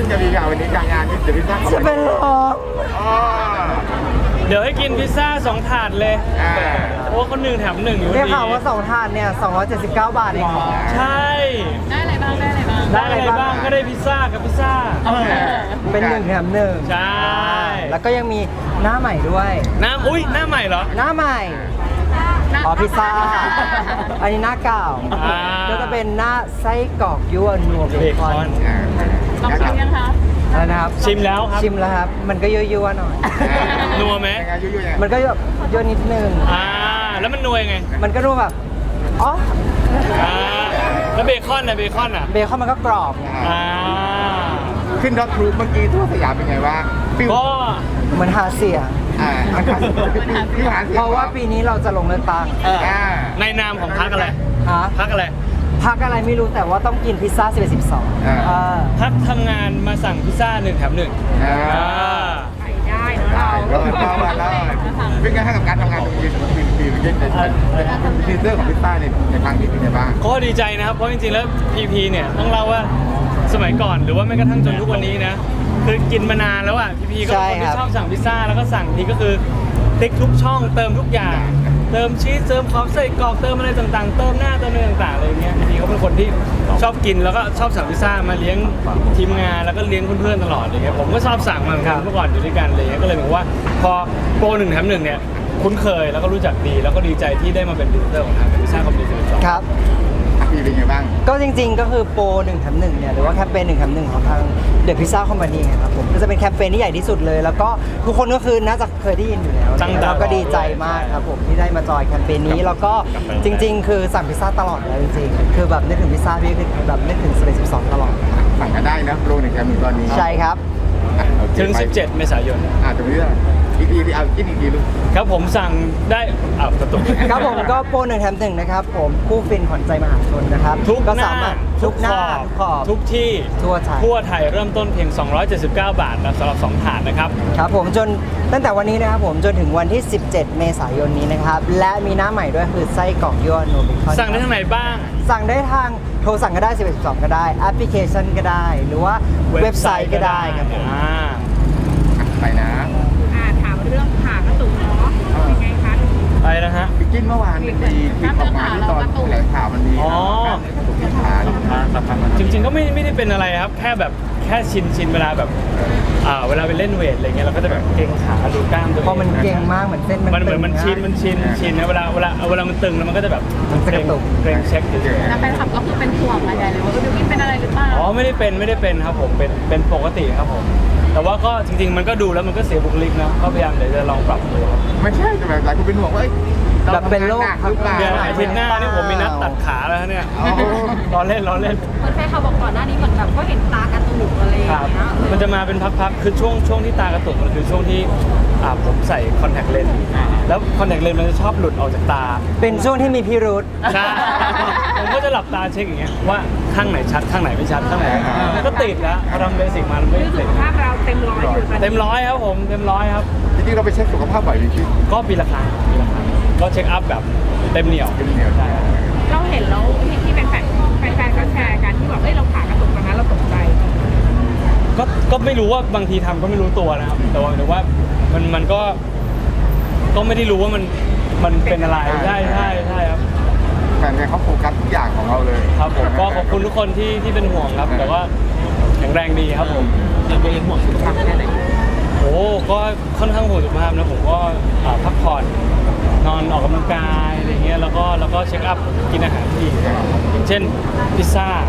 จะมีงานวันนี้งานที่จะพิซซ่าจะเป็นลมเดี๋ยวให้กินพิซซ่า2 ถาดเลยเพราะว่าคนหนึ่งแถม1อยู่ได้ดีข่าวว่า2 ถาดเนี่ย279 บาทเองเหรอใช่ได้อะไรบ้างได้อะไรบ้างได้อะไรบ้างก็ได้พิซซ่ากับพิซซ่าเป็น1 แถม 1 ใช่แล้วก็ยังมีหน้าใหม่ด้วยอุ้ยหน้าใหม่เหรอหน้าใหม่อ๋อพิซซ่า อันนี้หน้าเก่าอ่าก็จะเป็นหน้าไส้กรอกยั่วนัวเบคอนลองชิมยังคะอะไรนะครับชิมแล้วครับชิมแล้วครับ มันก็ยั่วๆหน่อยนัวไหมมันก็แบบยั่วนิดนึงแล้วมันนัวยังไงมันก็นัวแบบอ๋อแล้วเบคอนนะเบคอนอ่ะเบคอนมันก็กรอบไงอ่าขึ้นรถทรูปเมื่อกี้ทั่วสยามเป็นไงบ้างฟิวก็เหมือนหาเสียงมันขาดที่หาเสียงเพราะว่าปีนี้เราจะลงเลือกตั้งในนามของพักอะไรฮะพักอะไรพักอะไรไม่รู้แต่ว่าต้องกินพิซซ่า11 12 พักทำงานมาสั่งพิซซ่า1 แถม 1 ไข่ได้เนอะได้แล้วเป็นไงให้กับการทำงานตรงนี้ปีเมื่อกี้ทีเซอร์ของพิซซ่าในครั้งนี้เป็นไงบ้างก็ดีใจนะครับ เพราะจริงๆ แล้ว PP เนี่ยต้องเล่าว่าสมัยก่อนหรือว่าแม้กระทั่งจนทุกวันนี้นะ คือกินมานานแล้วอ่ะ PP ก็เป็นคนที่ชอบสั่งพิซซ่าแล้วก็สั่งทีก็คือติ๊กทุกช่องเติมทุกอย่าง เติมชีสเติมความใส่กรอกเติมอะไรต่างๆ เติมหน้าเติมอะไรต่างๆอะไรอย่างเงี้ย PP เขาเป็นคนที่ชอบกินแล้วก็ชอบสั่งพิซซ่ามาเลี้ยงทีมงานแล้วก็เลี้ยงเพื่อนๆตลอดอย่างเงี้ยผมก็ชอบสั่งมาเหมือนกันเมื่อก่อนอยู่ด้วยกันอะไรเงี้ยก็เลยเหมือนว่าพอโปร1 แถม 1เนี่ยคุ้นเคยแล้วก็รู้จักดีแล้วก็ดีใจที่ได้มาเป็นพรีเซนเตอร์ของทางพิซซ่าคอมพานี12 ครับปีเป็นไงบ้างก็จริงๆ ก็คือโปร1 แถม 1เนี่ยหรือว่าแคมเปญ1 แถม 1 ของทางเดอะพิซซ่าคอมพานีครับผมก็จะเป็นแคมเปญที่ใหญ่ที่สุดเลย แล้วก็ทุกคนก็คือน่าจะเคยได้ยินอยู่แล้วแล้วก็ดีใจมากครับผมที่ได้มาจอยแคมเปญนี้แล้วก็จริงๆ คือสั่งพิซซ่าตลอดเลยจริงๆคือแบบนึกถึงพิซซ่าพี่คือแบบนึกถึง11 12ตลอดสั่งกันได้นะโปร1 แถม 1ตอนนี้ใช่ครับถึง 17 เมษายนตรงนี้อีกทีเอากินอีกทีลูกครับผมสั่งได้กระตุกครับผมก็โปร1 แถม 1นะครับผมคู่ฟินขวัญใจมหาชนนะครับทุกก็หน้าสามารถทุกหน้าทุกขอบทุกที่ทั่วไทยทั่วไทยเริ่มต้นเพียง 279 บาทนะสำหรับ 2 ถาดนะครับครับผมจนตั้งแต่วันนี้นะครับผมจนถึงวันที่ 17 เมษายนนี้นะครับและมีหน้าใหม่ด้วยคือไส้กรอกยั่วนัวเบคอนสั่งได้ทางไหนบ้างสั่งได้ทางโทรสั่งก็ได้11 12ก็ได้แอปพลิเคชันก็ได้ หรือว่าเว็บไซต์ก็ได้ครับผมไปนะถามเรื่องผ่ากระตุกเนาะเป็นไงคะไปนะฮะบิกินเมื่อวานเป็นดีที่ออกมาที่ตอนแถลงข่าวมันมีอ๋อขาจริงๆก็ไม่ได้เป็นอะไรครับ แค่แบบแค่ชินเวลาแบบเวลาไปเล่นเวทอะไรเงี้ยเราก็จะแบบเกร็งขาดูกล้ามตัวเองเพราะมันเก่งมากเหมือนเส้นมันมันเหมือนตึงมันชินนะเวลามันตึงแล้วมันก็จะแบบมันจะกระตุกเกร็งเช็คเฉยแล้วแฟนคลับก็คือเป็นห่วงอะไรเลยว่าบิวกิ้นเป็นอะไรหรือเปล่าๆอ๋อไม่ได้เป็นครับผมเป็นปกติครับผมแต่ว่าก็จริงๆมันก็ดูแล้วมันก็เสียบุคลิกนะก็พยายามเดี๋ยวจะลองปรับดูครับไม่ใช่แต่แบบหลายคนเป็นห่วงว่าแบบเป็นโรคหรือเปล่าเดี๋ยวอาทิตย์หน้านี่ผมมีนัดตัดขาแล้วเนี่ยล้อเล่นเหมือนแฟนเขาบอกก่อนหน้านี้เหมือนแบบก็เห็นตากระตุกอะไรอย่างครับเงี้ยมันจะมาเป็นพักๆคือช่วงที่ตากระตุกมันคือช่วงที่ผมใส่คอนแทคเลนส์แล้วคอนแทคเลนส์มันจะชอบหลุดออกจากตาเป็นช่วงที่มีพิรุธใช่ผมก็จะหลับตาเช็คอย่างเงี้ยว่าข้างไหนชัดข้างไหนไม่ชัดข้างไหนมันก็ติดแล้วพอทำเบสิกมามันไม่คือสุติดขภาพเราเต็มร้อยอยู่ตอนนี้เต็มร้อยครับผมเต็มร้อยครับจริงๆเราไปเช็คสุขภาพบ่อยบิกินก็ปีละครั้งก็เช็คอัพแบบเต็มเหนียวเป็นเหนียวใช่เราเห็นแล้วที่เป็นแฟนก็แชร์กันที่บอกเราผ่ากระตุกตอนนั้นเราตกใจก็ไม่รู้ว่าบางทีทำก็ไม่รู้ตัวนะครับแต่ว่าหรือว่ามันก็ไม่ได้รู้ว่ามันเป็นอะไรใช่ครับแฟนเขาโฟกัสทุกอย่างของเราเลยครับผมก็ขอบคุณทุกคนที่เป็นห่วงครับแต่ว่าแข็งแรงดีครับผมยังเป็นห่วงสุขภาพแค่ไหนโอ้ก็ค่อนข้างห่วงสุขภาพนะผมก็พักผ่อนนอนออกกำลังกายอะไรเงี้ยแล้วก็เช็คอัพกินอาหารที่ดีอย่างเช่นพิซซ่า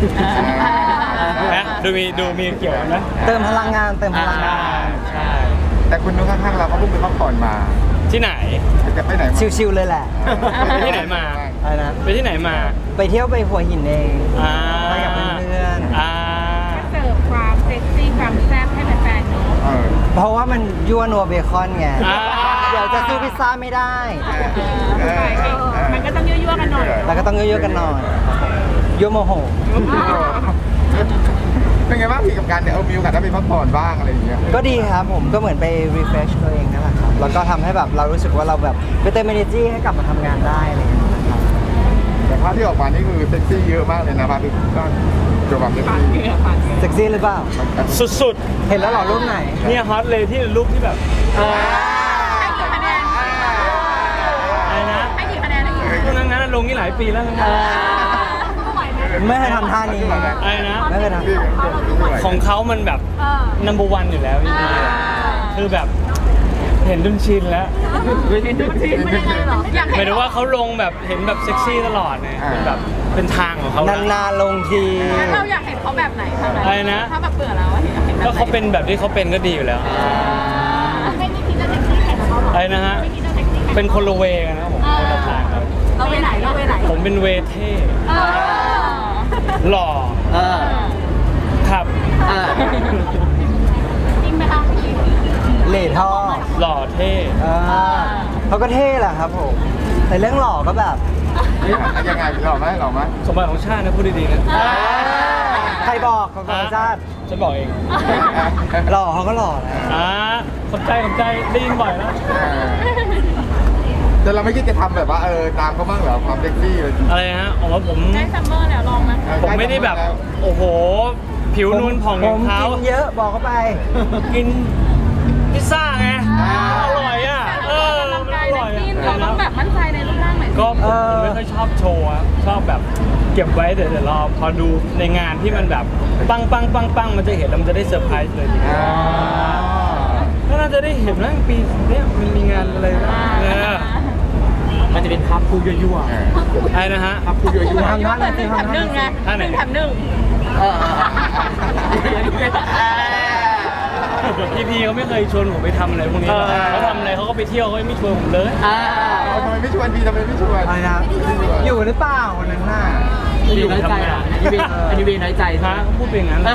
นะดูมีเกี่ยวกันไหมเติมพลังงานเติมพลังงานใช่แต่คุณดูข้างๆเราเขาเพิ่งไปพักผ่อนมาที่ไหนจะไปไหนมาชิวๆเลยแหละไปที่ไหนมาอะไรนะไปที่ไหนมาไปเที่ยวไปหัวหินเอง ไปกับเพื่อนเสิร์ฟความเซ็กซี่ความแซ่บให้แฟนๆเนาะเพราะว่ามันยั่วนัวเบคอนไงอ่าเดี๋ยวจะซื้อพิซซ่าไม่ได้มันก็ต้องยั่วๆกันหน่อยแล้วก็ต้องเยอะๆกันหน่อยยั่วโมโหเป็นไงบ้างพี่กับการเนี่ยมีโอกาสได้ไปพักผ่อนบ้างอะไรอย่างเงี้ยก็ดีครับผมก็เหมือนไป refresh ตัวเองนั่นแหละครับ แล้วก็ทำให้แบบเรารู้สึกว่าเราแบบไปเติม energy ให้กลับมาทำงานได้อะไรอย่างเงี้ยนะครับแต่ภาพที่ออกมานี่คือเซ็กซี่เยอะมากเลยนะภาพที่ก็เกี่ยวกับเซ็กซี่เซ็กซี่หรือเปล่าสุดเห็นแล้วเหรอรูปไหนๆเนี่ยฮอตเลยที่รูปที่แบบให้กี่คะแนนอะไรนะให้กี่คะแนนให้กี่คะแนนพวกนั้นลงนี่หลายปีแล้วนะไหวไหมไม่เคยทำท่านี้อะไรนะไม่เคยทำของเขามันแบบ number one อยู่แล้วพี่คือแบบเห็นจนชินแล้วเป็นยังไงหรออยากหเห็มายนถึงว่าเขาลงแบบเห็นแบบเซ็กซี่ตลอดเนี่ยเป็นแบบเป็นทางของเขาแล้วนานๆลงทีงั้นเราอยากเห็นเขาแบบไหนทำอะไรนะถ้าแบบเบื่อแล้วอะอยากเห็นแบบก็เขาเป็นแบบที่เขาเป็นก็ดีอยู่แล้วไม่มีคิดจะเซ็กซี่แข่งกับเขาอะไรนะฮะไม่คิดจะเซ็กซี่แข่งเป็นคนละเวกันนะครับผมคนละทางครับเราไปไหนเราไปไหนผมเป็นเวเท่ หล่อครับจริงไหมคะเหล่ท่อหล่อเท่เขาก็เท่แหละครับผม แต่เรื่องหล่อก็แบบยังไงหล่อไหมหล่อไหมสมบัติของชาตินะพูดดีๆนะใครบอกของธรรมชาติฉันบอกเองหล่อเขาก็หล่อนะขอบใจได้ยินบ่อยแล้วแต่เราไม่คิดจะทำแบบว่าตามเขาบ้างเหรอความเซ็กซี่เลยอะไรฮะผมว่าผมได้ซัมเมอร์แล้วลองไหมผมไม่ได้แบบ โอ้โห ผิวนูนผ่องอย่างเขาผมกินเยอะบอกเขาไปกินพิซซ่าไงอร่อยอ่ะกำลังกายอนะร่อยกินเราต้องแบบมั่นใจในรูปร่างหน่อยสิก็ผมไม่ค่อยชอบโชว์อะชอบแบบเก็บไว้เดี๋ยวรอพอดูในงานที่มันแบบปังมันจะเห็นแล้วมันจะได้เซอร์ไพรส์เลยทีเดียวก็น่าจะได้เห็นนะปีเนี้ยมันมีงานอะไรนะมันจะเป็นภาพคู่ยั่วๆอะไรนะฮะครับคุณอยู่ทำท่าไหนหนึ่งแถมหนึ่งไงท่าไหนนึ่งแถมหนึ่งพี่เขาไม่เคยชวนผมไปทำอะไรพวกนี้หรอกเขาทำอะไรเขาก็ไปเที่ยวเขาไม่ชวนผมเลยทำไมไม่ชวนพี่ทำไมไม่ชวนอะไรนะอยู่หรือเปล่าวันนั้นน่ะอยู่ทำงานอันนี้เวน้อยใจฮะเขาพูดเป็นอย่างนั้น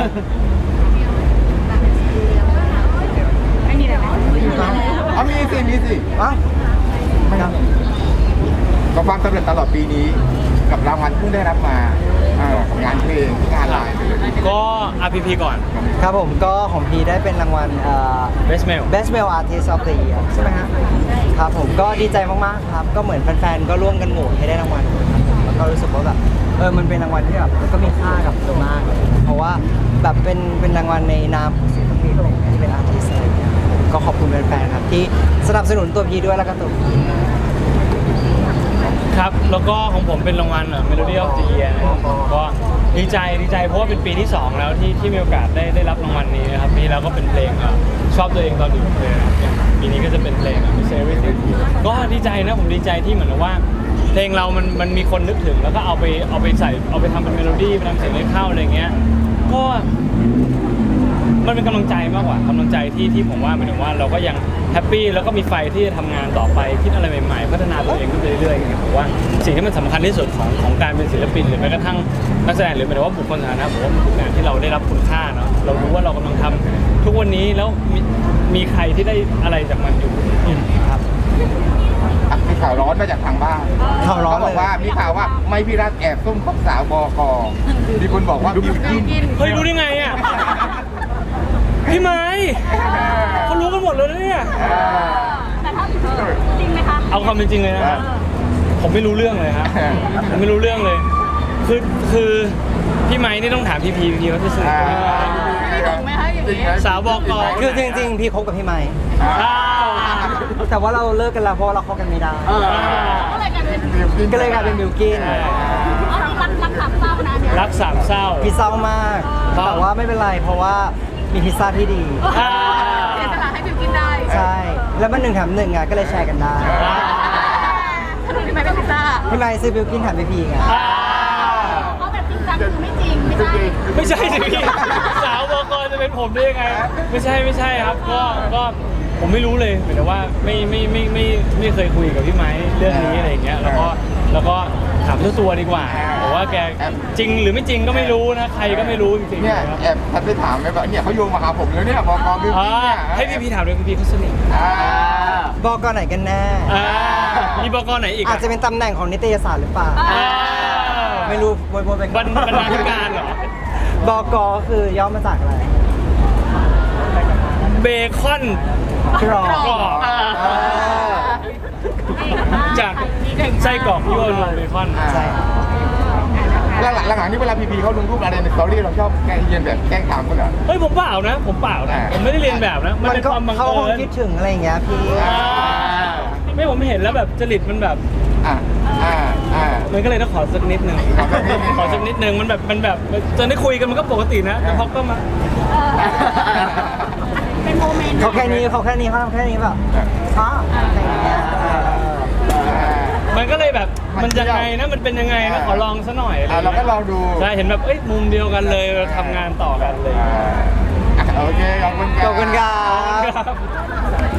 ไม่มีอะไรไหมมีสิอ่ะไม่ครับกับความสำเร็จตลอดปีนี้ กับรางวัลเพิ่งได้รับมากับงานเพลงงานไลน์เลยก็ RPP ก่อนครับผมก็ของพีได้เป็นรางวัล Best Male Best Male Artist of the Year ใช่ไหมฮะครับผมก็ดีใจมากๆครับ ก็เหมือนแฟนๆ ก็ร่วมกันโหวตให้ได้รางวัลครับผมแล้วก็รู้สึกว่าแบบมันเป็นรางวัลที่แบบมันก็มีค่ากับตัวมากครับเพราะว่าแบบเป็นรางวัลในนามของศิลปินอะไรอย่างเงี้ยที่เป็นอาร์ติสอะไรอย่างเงี้ยก็ขอบคุณแฟนๆ ครับที่สนับสนุนตัวพีด้วยแล้วก็ตัวพีครับ แล้วก็ของผมเป็นรางวัลMelody of the Year นะครับผมก็ดีใจเพราะว่าเป็นปีที่ 2 แล้วที่มีโอกาสได้รับรางวัลนี้นะครับปีแล้วก็เป็นเพลงชอบตัวเองตอนอยู่กับเพลงปีนี้ก็จะเป็นเพลงMiss Everything ก็ดีใจนะผมดีใจที่เหมือนกับว่า เพลงเรามันมีคนนึกถึงแล้วก็เอาไปใส่เอาไปทำเป็นเมโลดี้ไปทำเสียงให้เข้าอะไรเงี้ยก็มันเป็นกำลังใจมากกว่ากำลังใจที่ผมว่าหมายถึงว่าเราก็ยังแฮปปี้แล้วก็มีไฟที่จะทำงานต่อไปคิดอะไรใหม่ๆพัฒนาตัวเองขึ้นไปเรื่อยๆอย่างเงี้ยผมว่าสิ่งที่มันสำคัญที่สุดของการเป็นศิลปินหรือแม้กระทั่งนักแสดงหรือหมายถึงว่าบุคคลสาธารณะผมว่ามันคืองานที่เราได้รับคุณค่าเนาะเรารู้ว่าเรากำลังทำทุกวันนี้แล้วมีใครที่ได้อะไรจากมันอยู่ครับมีข่าวร้อนมาจากทางบ้านข่าวร้อนเขาบอกว่ามีข่าวว่าไม่พี่รัฐแอบซุ่มคบสาวบกมีคนบอกว่าบิวกินเฮ้ยรู้ได้ไงอ่ะพี่ไม้เขารู้กันหมดเลยนะเนี่ยแต่ถ้าจริงไหมคะเอาความเป็นจริงเลยนะผมไม่รู้เรื่องเลยฮะผมไม่รู้เรื่องเลยคือพี่ไม้นี่ต้องถามพี่เขาจะสื่อไม่ถูกไหมคะอย่างนี้สาวบกคือจริงๆ พี่คบกับพี่ไม้อ้าวแต่ว่าเราเลิกกันแล้วเพราะว่าเราคบกันไม่ได้ก็เลยกลายเป็นก็เลยกลายเป็นบิวกินอ๋อรักสามเศร้านะเนี่ยรักสามเศร้าพี่เศร้ามาก แต่ว่าไม่เป็นไรเพราะว่ามีพิซซ่าที่ดีเสียสละให้บิวกินได้ใช่ แล้วมัน1 แถม 1อ่ะก็เลยแชร์กันได้ถ้าหนูที่ไม่เป็นพิซซ่าพี่ไม้ซื้อบิวกินแถมพี่พีไงเพราะแบบจริงจังคือไม่จริงไม่ใช่ไม่ใช่สิพี่สาวบกจะเป็นผมได้ยังไงไม่ใช่ครับก็ผมไม่รู้เลยหมายถึงว่าไม่เคยคุยกับพี่ไม้เรื่องนี้อะไรอย่างเงี้ยแล้วก็ถามเจ้าตัวดีกว่าบอกว่าแกจริงหรือไม่จริงก็ไม่รู้นะใครก็ไม่รู้จริงๆเนี่ยนะครับแอบทัดไปถามไหมว่าเนี่ยเขาโยงมาหาผมแล้วเนี่ยบกบิวกินเนี่ยให้พี่ถามด้วยพี่เขาสนิทบอกกไหนกันแน่มีบกไหนอีกอาจจะเป็นตำแหน่งของนิตยสารหรือเปล่า ไม่รู้วนๆไปบรรณาธิการเหรอบอกคือย่อมาจากอะไรเบคอนกรอบกรอบให้จากไส้กรอกยั่วลงเบคอนใช่ครับหลังๆนี่เวลาพีเขาลงรูปอะไรในสตอรี่เราชอบแกล้งเยียนแบบแกล้งถามคนเหรอเฮ้ยผมเปล่านะผมไม่ได้เรียนแบบนะมันเป็นความบังเขาคงเอิญคิดถึงอะไรอย่างเงี้ยพี่ไม่ผมเห็นแล้วแบบจริตมันแบบอ่าอ่าอ่ามันก็เลยต้องขอสักนิดหนึ่งขอสักนิดหนึ่งขอสักนิดหนึ่งมันแบบจนได้คุยกันมันก็ปกตินะแต่เขาก็มาเป็นโมเมนต์เขาแค่นี้เขาทำแค่นี้แบบอ๋ออะไรอย่างเงี้ยมันก็เลยแบบมันยังไงนะมันเป็นยังไงนะขอลองซะหน่อยเราก็ลองดูใช่เห็นแบบเอ้ยมุมเดียวกันเลยเราทำงานต่อกันเลยโอเคขอบคุณครับขอบคุณครับครับ